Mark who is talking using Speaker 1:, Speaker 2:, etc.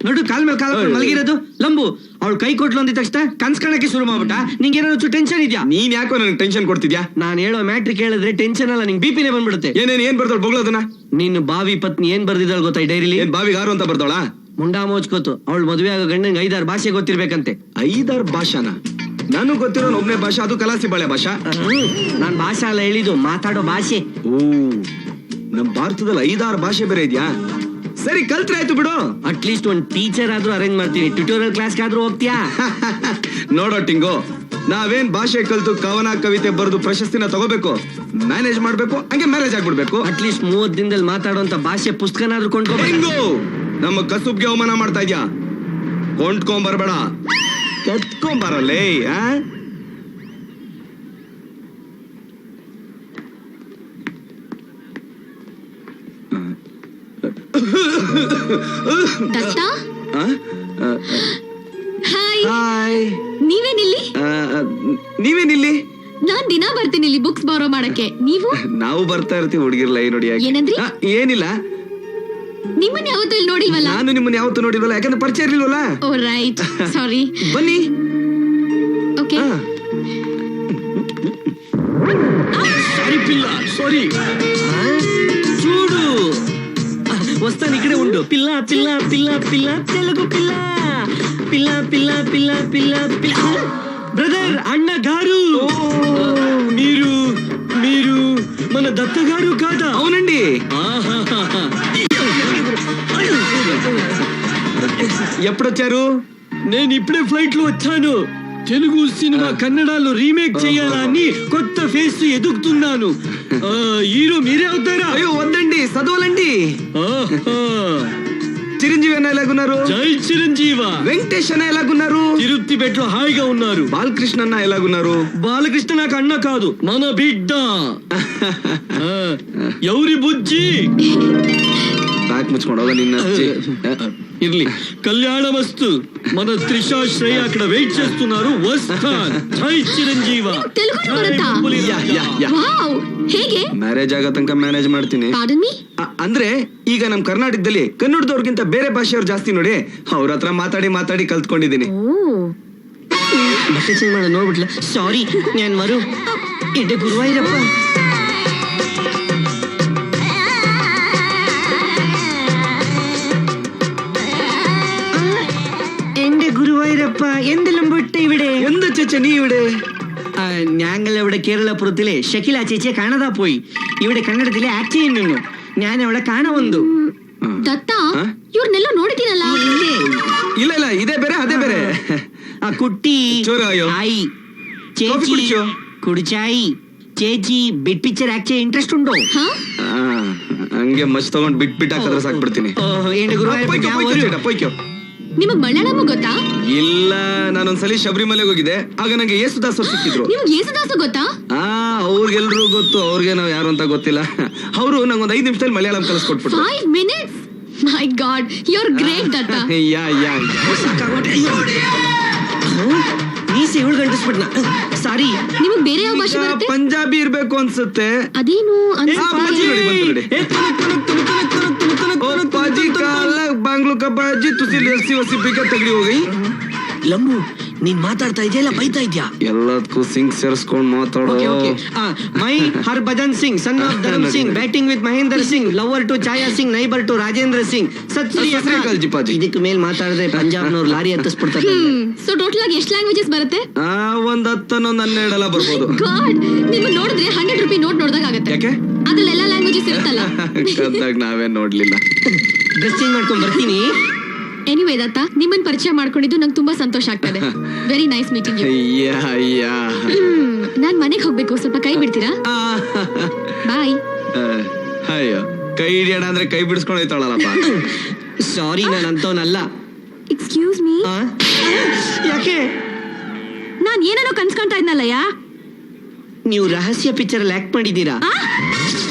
Speaker 1: ನೋಡು ಕಾಲ್ ಮೇಲೆ ಕಾಲ್ ಮಲಗಿರೋದು ಲಂಬು. ಅವಳು ಕೈ ಕೊಟ್ಲು ಅಂದಿದ ತಕ್ಷಣ ಕನ್ಸ್ಕೊಳಕ್ಕೆ ಶುರು ಮಾಡ್ಬಿಟ್ಟ. ನಿಂಗೆ ಏನೋ ಟೆನ್ಷನ್ ಇದೆಯಾ?
Speaker 2: ನೀನ್ ಯಾಕೋ ನನಗೆ ಟೆನ್ಷನ್ ಕೊಡ್ತಿದ್ಯಾ?
Speaker 1: ನಾನು ಹೇಳೋ ಮ್ಯಾಟ್ರಿಕ್ ಹೇಳಿದ್ರೆ ಟೆನ್ಷನ್ ಅಲ್ಲ, ನಿಂಗೆ ಬಿಪಿನೇ ಬಂದ್ಬಿಡುತ್ತೆ.
Speaker 2: ಏನ್ ಬರ್ತಾಳ ಬೊಗಳೋದನ್ನ?
Speaker 1: ನಿನ್ನ ಬಾವಿ ಪತ್ನಿ ಏನ್ ಬರ್ದಿದ್ದಾಳ ಗೊತ್ತಾ ಈ ಡೈರಿಲಿ?
Speaker 2: ಏನ್ ಬಾವಿಗಾರು ಅಂತ ಬರ್ತಾಳ?
Speaker 1: ಮುಂಡಾ ಮೋಚ್ಕೋತು. ಅವಳು ಮದುವೆ ಆಗೋ ಗಂಡಂಗೆ 5-6 ಭಾಷೆ ಗೊತ್ತಿರ್ಬೇಕಂತೆ.
Speaker 2: 5-6 ಭಾಷಾನ? ನನಗ್ ಗೊತ್ತಿರೋ ಒಬ್ನೇ ಭಾಷಾ, ಅದು ಕಲಾಸಿ ಬಾಳೆ ಭಾಷಾ.
Speaker 1: ನಾನ್ ಭಾಷಾ ಅಲ್ಲ ಹೇಳಿದ್ದು, ಮಾತಾಡೋ ಭಾಷೆ.
Speaker 2: ಓ, ನಮ್ ಭಾರತದಲ್ಲಿ 5-6 ಭಾಷೆ ಬೇರೆ ಇದ್ಯಾ? ಸರಿ, ಕಲ್ತ್ರೆ ಆಯ್ತು ಬಿಡು.
Speaker 1: ಅಟ್ಲೀಸ್ಟ್ ಒಂದ್ ಟೀಚರ್ ಆದ್ರೂ ಅರೇಂಜ್ ಮಾಡ್ತೀನಿ. ಟ್ಯೂಟೋರಿಯಲ್ ಕ್ಲಾಸ್ಗಾದ್ರೂ ಹೋಗ್ತೀಯಾ?
Speaker 2: ನೋಡೋ ಟಿಂಗು, ನಾವೇನ್ ಭಾಷೆ ಕಲ್ತು ಕವನ ಕವಿತೆ ಬರೆದು ಪ್ರಶಸ್ತಿನ ತಗೋಬೇಕು, ಮ್ಯಾನೇಜ್ ಮಾಡ್ಬೇಕು, ಹಂಗೆ ಮ್ಯಾರೇಜ್ ಆಗ್ಬಿಡ್ಬೇಕು.
Speaker 1: ಅಟ್ಲೀಸ್ಟ್ 30 ದಿನದಲ್ಲಿ ಮಾತಾಡುವಂತ ಭಾಷೆ ಪುಸ್ತಕನಾದ್ರೂ ಕೊಂಡ್ಕೋಬೇಕು.
Speaker 2: ನಮ್ಮ ಕಸುಬ್ಗೆ ಅವಮಾನ ಮಾಡ್ತಾ ಇದ್ಯಾ? ಕೊಂಡ್ಕೊಂಬರ್ಬೇಡ, ಕತ್ಕೊಂಬರಲ್ಲೇ.
Speaker 3: ದತ್ತಾ,
Speaker 2: ಹಾಯ್.
Speaker 3: ನೀವೇನಿಲ್ಲಿ? ನಾನ್ ದಿನ ಬರ್ತೀನಿ ಇಲ್ಲಿ ಬುಕ್ಸ್ ಬಾರೋ ಮಾಡಕ್ಕೆ. ನೀವು?
Speaker 2: ನಾವು ಬರ್ತಾ ಇರ್ತೀವಿ ಹುಡುಗಿರ್ಲ. ನೋಡಿ
Speaker 3: ಏನಂದ್ರಿ?
Speaker 2: ಏನಿಲ್ಲ,
Speaker 3: ನಿಮ್ಮನ್ನ ಯಾವತ್ತೂ ಇಲ್ಲಿ ನೋಡಿಲ್ವಲ್ಲ.
Speaker 2: ನಾನು ನಿಮ್ಮನ್ನ ಯಾವತ್ತೂ ನೋಡಿಲ್ವಲ್ಲ, ಯಾಕಂದ್ರೆ ಪರಿಚಯ ಇರ್ಲಿಲ್ವಲ್ಲ.
Speaker 3: ಓ ರೈಟ್, ಸಾರಿ.
Speaker 2: ಬನ್ನಿ.
Speaker 3: ಓಕೆ.
Speaker 1: ಸಾರಿ ಪಿಲ್ಲ, ಸಾರಿ. చూడు వస్తాను, ఇక్కడే ఉండు. పిల్ల పిల్ల పిల్ల పిల్ల తెలుగు పిల్ల పిల్ల పిల్ల పిల్ల పిల్ల పిల్ల. బ్రదర్, అన్న గారు, మీరు మీరు మన దత్త గారు కాదా?
Speaker 2: అవునండి. ఎప్పుడొచ్చారు?
Speaker 1: నేను ఇప్పుడే ఫ్లైట్ లో వచ్చాను. తెలుగు సినిమా కన్నడలో రీమేక్ చేయాలని కొత్త ఫేస్ ఎదుగుతున్నాను. హీరో మీరే అవుతారా?
Speaker 2: అయ్యో వద్దండి, చదవాలండి. చిరంజీవి అన్న ఎలాగున్నారు?
Speaker 1: జై చిరంజీవ.
Speaker 2: వెంకటేష్ అన్న ఎలాగున్నారు?
Speaker 1: తిరుపతి బెట్లో హాయిగా ఉన్నారు.
Speaker 2: బాలకృష్ణ అన్న ఎలాగున్నారు?
Speaker 1: బాలకృష్ణ నాకు అన్న కాదు, మన బిడ్డ. ఎవరి బుజ్జి?
Speaker 2: బ్యాక్ ముచ్చుకోండి ಹೋಗ నిన్న.
Speaker 1: ఇర్లి, కళ్యాణ వస్తు. మన త్రిషా శ్రేయ అక్కడ వెయిట్ చేస్తున్నారు. వస్తాన్. జై చిరంజీవ.
Speaker 3: తెలుగు ಬರುತ್ತಾ? ವಾವ್, ಹೇಗೆ?
Speaker 2: ಮ್ಯಾರೇಜ್ ಆಗೋ ತನಕ ಮ್ಯಾನೇಜ್ ಮಾಡ್ತೀನಿ.
Speaker 3: Pardon me?
Speaker 2: ಅಂದ್ರೆ ಈಗ ನಮ್ ಕರ್ನಾಟಕದಲ್ಲಿ ಕನ್ನಡದವ್ರಿಗಿಂತ ಬೇರೆ ಭಾಷೆಯವ್ರು ಜಾಸ್ತಿ ನೋಡಿ, ಅವ್ರ ಹತ್ರ ಮಾತಾಡಿ ಮಾತಾಡಿ ಕಲ್ತ್ಕೊಂಡಿದ್ದೀನಿ.
Speaker 1: ಬಟ್ಟೆ ಚೇಂಜ್ ಮಾಡ ನೋಡ್ಬಿಟ್ಲ. ಸಾರಿ, ನಾನು ಮರು. ಎಡೆ ಗುರುವಾಯಿರಪ್ಪ. ഗുരുവായൂരപ്പ എന്തെല്ലാം വിട്ട് ഇവിടെ
Speaker 2: എന്ത് ചേച്ചി നീ ഇവിടെ?
Speaker 1: ഞങ്ങൾ ഇവിടെ കേരളപുരത്തിലെ ഷക്കില ചേച്ചിയെ കാണാതാ പോയി. ഇവിടെ കന്നഡത്തിലെ ആക്ട് ചെയ്യുന്നു. ഞാൻ അവളെ കാണാൻ വന്നു.
Speaker 3: ದತ್ತ, ಇವ್ರನ್ನೆಲ್ಲ ನೋಡಿದ್ದೀನಲ್ಲ.
Speaker 2: ಇಲ್ಲ ಇಲ್ಲ, ಇದೇ ಬೇರೆ ಅದೇ ಬೇರೆ.
Speaker 1: ಆ ಕುಟ್ಟಿ ಆಯಿ ചേച്ചി കുടിച്ചായി. ചേച്ചി ಬಿಟ್ ಪಿಕ್ಚರ್ ಆಕ್ಟ್ ചെയ്യാൻ ಇಂಟ್ರೆಸ್ಟ್ ಉಂಟು?
Speaker 2: ಹಂಗೆ ಮಚ್ ತಗೊಂಡ್ ಬಿಟ್ ಹಾಕಿದ್ರೆ ಸಾಕ್ಬಿಡ್ತೀನಿ.
Speaker 3: ನಿಮಗ್ ಮಲಯಾಳಂ ಗೊತ್ತಾ?
Speaker 2: ಇಲ್ಲ, ನಾನೊಂದ್ಸಲಿ ಶಬರಿಮಲೆಗೆ ಹೋಗಿದ್ದೆ. ಆಗ ನಂಗೆ ಯೇಸುದಾಸ್ ಅವ್ರು ಸಿಕ್ಕಿದ್ರು.
Speaker 3: ನಿಮ್ಗೆ ಯೇಸುದಾಸ್ ಗೊತ್ತಾ?
Speaker 2: ಅವ್ರಿಗೆಲ್ರೂ ಗೊತ್ತು, ಅವ್ರಿಗೆ ನಾವ್ ಯಾರು ಅಂತ ಗೊತ್ತಿಲ್ಲ. ಅವರು ನಂಗೊಂದ್ 5 ನಿಮಿಷದಲ್ಲಿ Malayalam ಕಲಿಸ್ಕೊಟ್ಬಿಟ್ರು.
Speaker 3: 5 minutes? My God, you're great, ದತ್ತ.
Speaker 1: ಮೀಸೆ 7 ಗಂಟಿಸ್ಬಿಟ್ನ. ಸಾರಿ.
Speaker 3: ನಿಮಗ್ ಬೇರೆ ಯಾವ ಭಾಷೆ ಬರುತ್ತೆ?
Speaker 2: ಪಂಜಾಬಿ ಇರ್ಬೇಕು ಅನ್ಸುತ್ತೆ.
Speaker 3: ಅದೇನು?
Speaker 2: ಬಾಂಗ್ಲೂ ಕಬ್ಬಾಜಿ ತುಸಿ ಲಸ್ಸಿ ವಸಿ ಬಿಗ ತಗಡಿ ಹೋಗಿ.
Speaker 1: ಲಂಬು, ನೀನ್ ಮಾತಾಡ್ತಾ ಇದೆಯಾ ಇಲ್ಲ ಬೈತಾ ಇದ್ಯಾ?
Speaker 2: ಎಲ್ಲದಕ್ಕೂ ಸಿಂಗ್ ಸೇರಿಸ್ಕೊಂಡ್ ಮಾತಾಡೋ.
Speaker 1: My Harbhajan Singh, son of Dharm Singh, batting with Mahender Singh, lover to Chhaya Singh, neighbour to Rajendra Singh. ಇದಕ್ಕೆ ಮೇಲ್ ಮಾತಾಡಿದ್ರೆ ಪಂಜಾಬ್ನವ್ರು ಲಾರಿ ಹತ್ತಿಸ್ಬಿಡ್ತಾರೆ.
Speaker 3: ಸೊ ಟೋಟಲ್ ಆಗಿ ಎಷ್ಟು ಲ್ಯಾಂಗ್ವೇಜಸ್ ಬರುತ್ತೆ?
Speaker 2: ಒಂದ್ 10-12 ಬರ್ಬೋದು.
Speaker 3: ಗಾಡ್, ನಿಮ್ಮ ನೋಡಿದ್ರೆ 100 ರೂಪಾಯಿ ನೋಟ್ ನೋಡ್ದಾಗ ಆಗುತ್ತೆ.
Speaker 2: ಯಾಕೆ?
Speaker 3: ಅದ್ರಲ್ಲೆಲ್ಲ ಲ್ಯಾಂಗ್ವೇಜಸ್ ಇರುತ್ತಲ್ಲ.
Speaker 2: ಕದ್ದಾಗ ನಾವೇ ನೋಡ್ಲಿಲ್ಲ.
Speaker 1: ಡ್ರೆಸ್ ಚೇಂಜ್ ಮಾಡ್ಕೊಂಡ್ ಬರ್ತೀನಿ.
Speaker 3: ಎನಿವೇ ದತ್ತ, ನಿಮ್ಮನ್ನ ಪರಿಚಯ ಮಾಡ್ಕೊಂಡಿದ್ದು ನಂಗೆ ತುಂಬಾ ಸಂತೋಷ ಆಗ್ತದೆ. Very nice meeting you. ನಾನ್ ಮನೆಗೆ ಹೋಗ್ಬೇಕು, ಸ್ವಲ್ಪ ಕೈ ಬಿಡ್ತೀರಾ? ಬಾಯ್.
Speaker 2: ಅಯ್ಯೋ, ಕೈ ಹಿಡಿಯೋಣ ಅಂದ್ರೆ ಕೈ ಬಿಡಿಸ್ಕೊಂಡು ಹೋಯ್ತಾಳಲ್ಲಪ್ಪ.
Speaker 1: ಸಾರಿ, ನಾನು ಅಂತವನಲ್ಲ.
Speaker 3: Excuse me.
Speaker 1: ಯಾಕೆ?
Speaker 3: ನಾನ್ ಏನೇನೋ ಕನ್ಸ್ಕೊಂತಾ ಇದ್ನಲ್ಲಯ್ಯ.
Speaker 1: ನೀವು ರಹಸ್ಯ ಪಿಕ್ಚರ್ ಅಲ್ಲಿ ಆಕ್ಟ್ ಮಾಡಿದ್ದೀರಾ?